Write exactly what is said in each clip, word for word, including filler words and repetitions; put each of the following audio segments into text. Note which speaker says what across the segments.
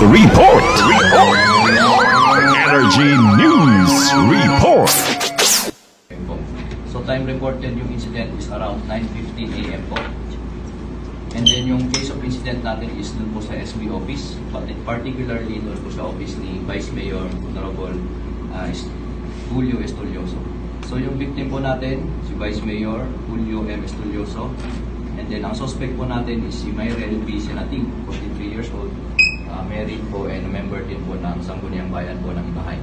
Speaker 1: Report. Report. Energy News Report.
Speaker 2: So time reported yung incident is around nine fifteen a m po. And then yung case of incident natin is dun po sa S B office, but particularly dun po sa office ni Vice Mayor Honorable uh, Julio Estolioso. So yung victim po natin, si Vice Mayor Julio M. Estolioso. And then ang suspect po natin is si Myrel B. Senating, forty-three years old, uh, married po and a member din po ng Sangguniang Bayan po ng Ibahay.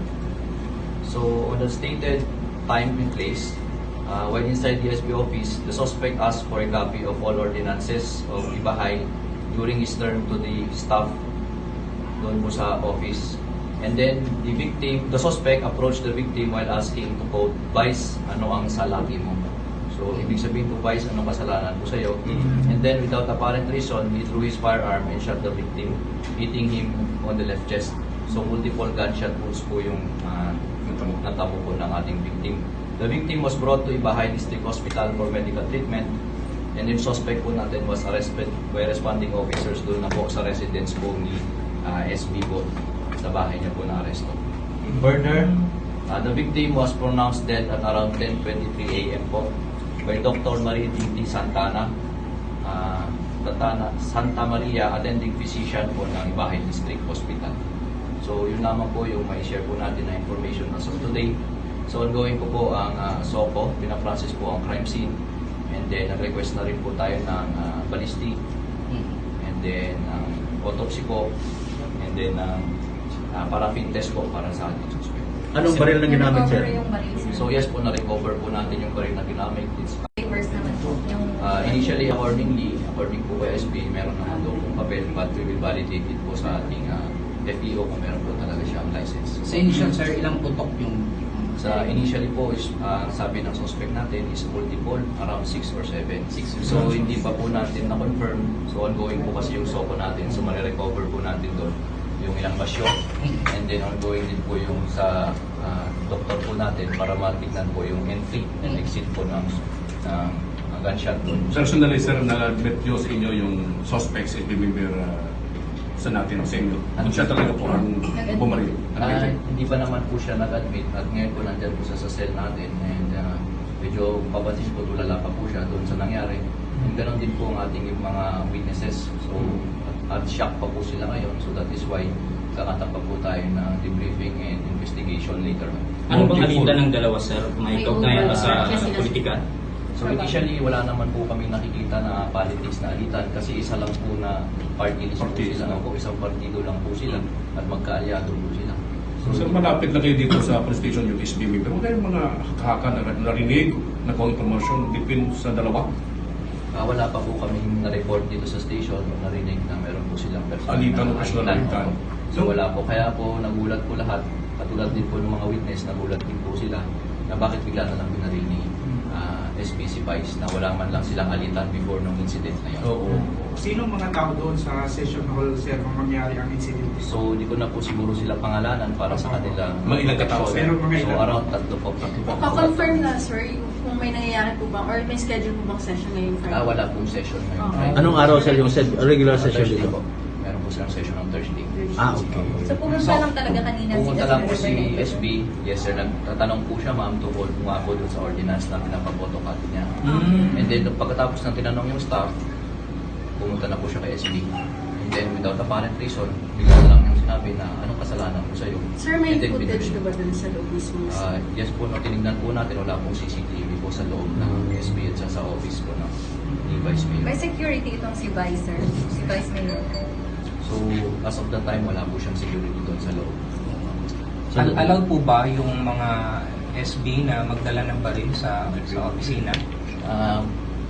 Speaker 2: So on the stated time and place, Uh, when inside the S B office, the suspect asked for a copy of all ordinances of Ibahay during his term to the staff doon po sa office. And then the victim, the suspect approached the victim while asking to quote, "Vice, ano ang salaki mo?" So ibig sabihin po, Vice, anong kasalanan po sa'yo? And then without apparent reason, he drew his firearm and shot the victim, hitting him on the left chest. So multiple gunshot wounds po yung uh, natamo po ng ating victim. The victim was brought to Ibahay District Hospital for medical treatment, and yung suspect po natin was arrested by responding officers doon na po sa residence po ni uh, S B po, sa bahay niya po na aresto. Further, uh, the victim was pronounced dead at around ten twenty-three a m po by Doctor Marie Tinti Santana, uh, Santana, Santa Maria, attending physician po ng Ibahay District Hospital. So yun naman po yung may share po natin na information as of today. So ongoing po po ang uh, S O C O, pinaprocess po ang crime scene, and then nag-request na rin po tayo ng uh, ballistic, and then ang um, autopsy po, and then ang uh, paraffin test po para sa ating suspect.
Speaker 3: Anong baril na ginamit, sir?
Speaker 2: So yes po, na-recover po natin yung baril na ginamit. It's,
Speaker 4: Papers naman po. Yung
Speaker 2: uh, initially, accordingly, according po kay S B, meron naman doon kung papel, but we will validate it po sa ating uh, F E O kung meron po talaga siyang license.
Speaker 5: Sa initial, sir, ilang putok yung...
Speaker 2: Sa initially po, is, uh, sabi ng suspect natin is multiple, around six or seven. Six. So hindi pa po natin na-confirm. So ongoing po kasi yung S O C O natin. So marirecover po natin doon yung ilang basyo. And then ongoing din po yung sa uh, doktor po natin para matignan po yung entry and exit po ng, ng uh, gunshot doon.
Speaker 6: Personally, sir, na-admit nyo sa inyo yung suspect si Member uh, sa natin sa inyo. Kung siya talaga po ang bumaril.
Speaker 2: Uh, hindi pa naman po siya nag-admit at ngayon po nandyan po siya sa cell natin and uh, medyo papansin po tulala pa po siya doon sa nangyari. And ganoon din po ang ating mga witnesses. So at shock pa po sila ngayon, so that is why kakatap pa po tayo ng debriefing and investigation later.
Speaker 3: Ano bang alitan ng dalawa, sir? May
Speaker 4: May
Speaker 3: kaugnayan ba sa
Speaker 4: overlap.
Speaker 3: politika?
Speaker 2: So initially, wala naman po kami nakikita na politics na alitan kasi isa lang po na party list po
Speaker 6: Party.
Speaker 2: sila. Opo, isang partido lang po sila at magkaalyado po sila.
Speaker 6: So, sir, malapit na kayo dito sa police station yung S B member. Wala yung mga haka na narinig, na kung information, dipin sa dalawa.
Speaker 2: Ah, wala pa po kaming na-report dito sa station o narinig na meron po silang personal
Speaker 6: Alitan o
Speaker 2: na
Speaker 6: personal alitan.
Speaker 2: Oo. So wala po. Kaya po nagulat po lahat. Katulad din po ng mga witness, nagulat din po sila na bakit bigla na lang binaril ni ah, S P C Vice na wala man lang silang alitan before nung incident na yun.
Speaker 6: Oo.
Speaker 7: Sino mga tao doon sa session hall, sir, kung mangyari ang incident?
Speaker 2: So di ko na po siguro sila pangalanan para sa kanila.
Speaker 6: Mga ilang katao, sir?
Speaker 7: Pero mga
Speaker 2: So
Speaker 7: ilang?
Speaker 2: around tatlo po. Tatlo po.
Speaker 4: Pa-confirm na, sir, yung kung may nangyayari po ba or may schedule po bang session ngayong Friday?
Speaker 2: Ah, wala pong session ngayon.
Speaker 4: Okay.
Speaker 2: Friday.
Speaker 3: Anong araw, sir, yung sed- regular
Speaker 2: Ah,
Speaker 3: session
Speaker 2: Thursday
Speaker 3: dito?
Speaker 2: po. Meron po silang session on Thursday.
Speaker 3: Ah, okay.
Speaker 4: So pumunta lang talaga kanina
Speaker 2: Pumunta
Speaker 4: si
Speaker 2: lang po
Speaker 4: S
Speaker 2: si
Speaker 4: B.
Speaker 2: S B. Yes sir, nagtatanong po siya ma'am tungkol kung nga po dun sa ordinance na pinapapotocopy niya.
Speaker 3: Mm.
Speaker 2: And then nung pagkatapos ng tinanong yung staff, pumunta na po siya kay S B. And then without apparent reason, bigla na lang yung sinabi na anong kasalanan ko sa'yo.
Speaker 4: Sir, may
Speaker 2: And then
Speaker 4: footage
Speaker 2: binaril.
Speaker 4: na ba dun sa loob mismo?
Speaker 2: Ah, yes po, no, tinignan po natin, wala pong C C T V po sa loob ng S B at sa, sa office po ng ni Vice Mayor.
Speaker 4: May security itong si Vice, sir. Si Vice Mayor.
Speaker 2: So, as of that time, wala po siyang security doon sa loob.
Speaker 5: Al- allowed po ba yung mga S B na magdala ng baril sa, sa opisina?
Speaker 2: Um,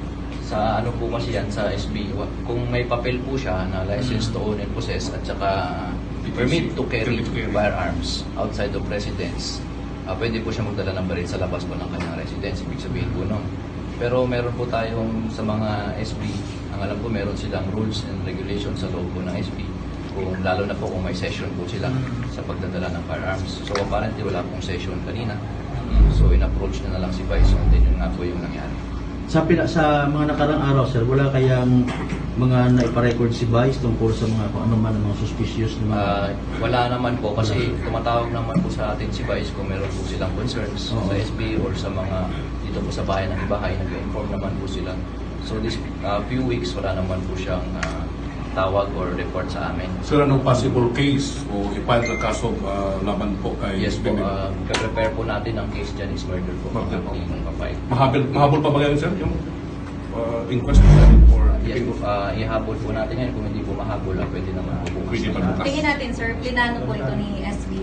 Speaker 2: sa ano po kasi yan sa S B, wa- kung may papel po siya na license to own and possess at saka permit to carry
Speaker 6: Permit to carry.
Speaker 2: firearms outside of residence, ah, pwede po siya magdala ng baril sa labas po ng kanyang residence, ibig sabihin po nun. Pero meron po tayong sa mga S B, ang alam ko meron silang rules and regulations sa loob po ng S B, kung lalo na po kung may session po sila sa pagdadala ng firearms. So apparently wala pong session kanina. So in-approach na na lang si Vice and then yun nga po yung nangyari.
Speaker 3: Sa, pina, sa mga nakarang araw, sir, wala kayang mga naiparecord si Vice tungkol sa mga kung ano man ang mga suspicious na mga...
Speaker 2: Ah, wala naman po kasi tumatawag naman po sa atin si Vice kung meron po silang concerns
Speaker 3: Oo.
Speaker 2: sa S B or sa mga dito po sa bahay ng ibahay, nag-inform naman po sila. So this ah, few weeks wala naman po siyang ah, tawag or report sa amin.
Speaker 6: Sir, anong possible case o i-file na kaso uh, laban po kay
Speaker 2: Yes po,
Speaker 6: Bebe?
Speaker 2: uh, prepare po natin ang case dyan is murder po.
Speaker 6: Murder po.
Speaker 2: Ang papay.
Speaker 6: Mahabol, mahabol pa ba ngayon, sir, yung uh, inquest natin or
Speaker 2: Yes po, uh, ihabol po natin yan. Kung hindi po mahabol, ah, pwede naman po bukas.
Speaker 6: Pwede pa bukas.
Speaker 4: Tingin natin, sir, plinano po ito ni S B.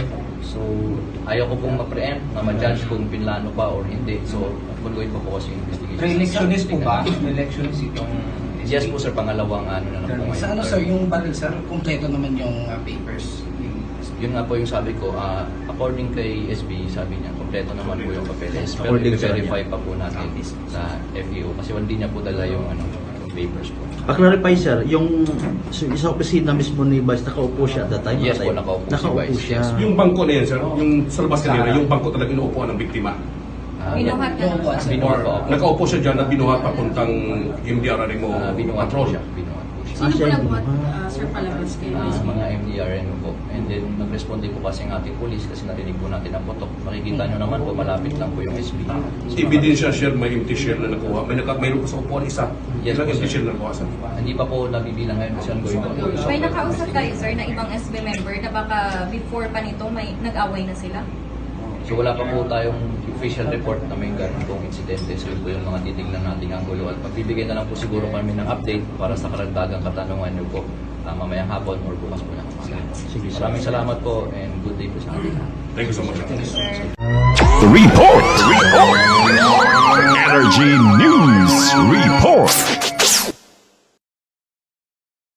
Speaker 2: So, ayaw ko pong ma-preempt na ma-judge kung pinlano pa or hindi. So, ongoing pa po kasi yung investigation.
Speaker 5: Pre-electionist po ba? Pre-electionist itong
Speaker 2: Yes po sir, pangalawang ano na lang po ngayon.
Speaker 8: Sa ano sir, yung baril sir, kumpleto naman yung uh, papers.
Speaker 2: Yun nga po yung sabi ko, ah, according kay S B, sabi niya, kompleto naman po yung papeles. Pero
Speaker 3: According sa
Speaker 2: i-verify
Speaker 3: kanya.
Speaker 2: pa po natin sa F A O kasi hindi niya po dala yung, ano, yung papers po.
Speaker 3: Pa-clarify, sir, yung so, sa opisina mismo ni Vice, nakaupo siya at that time?
Speaker 2: Yes po,
Speaker 3: At that time?
Speaker 2: nakaupo si
Speaker 3: Nakaupo
Speaker 2: Vice,
Speaker 3: siya.
Speaker 2: yes.
Speaker 6: yung bangko na yan, sir, yung sa labas kanina, yung bangko talaga inuupuan ng biktima.
Speaker 2: Ah,
Speaker 4: Binuhat na
Speaker 8: Binuhat
Speaker 4: lang.
Speaker 8: sir.
Speaker 2: Binuhat po.
Speaker 6: Nakaupo siya dyan at binuhat papuntang M D R rin mo
Speaker 2: Ah, binuhat po
Speaker 6: patrol.
Speaker 2: siya. Binuhat po siya.
Speaker 4: Sino
Speaker 3: Ah,
Speaker 4: po
Speaker 3: siya
Speaker 4: nagbuhat,
Speaker 3: yung-
Speaker 4: uh, sir, palabas kayo?
Speaker 2: Ah, mga M D R N po. And then, nag-respond din po kasi ang ating police kasi narinig po natin ang putok. Makikita nyo naman po, malapit lang po yung S B. So,
Speaker 6: Ebidensya share, may empty share na nakuha. May naka, mayroon pa sa upuan isa.
Speaker 2: Yes,
Speaker 6: Ilang
Speaker 2: po,
Speaker 6: empty
Speaker 2: sir.
Speaker 6: share na nakuha, sir?
Speaker 2: Hindi pa po nabibilang ngayon kasi ongoing pa po. yung
Speaker 4: May
Speaker 2: software
Speaker 4: nakausap kayo,
Speaker 2: investigation.
Speaker 4: sir, na ibang S B member na baka before pa nito may nag-away na sila?
Speaker 2: So wala pa po tayong official report na may ganun pong insidente. So yun po yung mga titignan nating anggulo. At pagbibigay na lang po siguro kami ng update para sa karagdagang katanungan nyo po uh, mamayang hapon or bukas po ng umaga.
Speaker 3: Sige, sir.
Speaker 2: Maraming salamat po and good day po sa atin.
Speaker 6: Thank you so much.
Speaker 4: Sir.
Speaker 1: Report. Report. Energy News Report.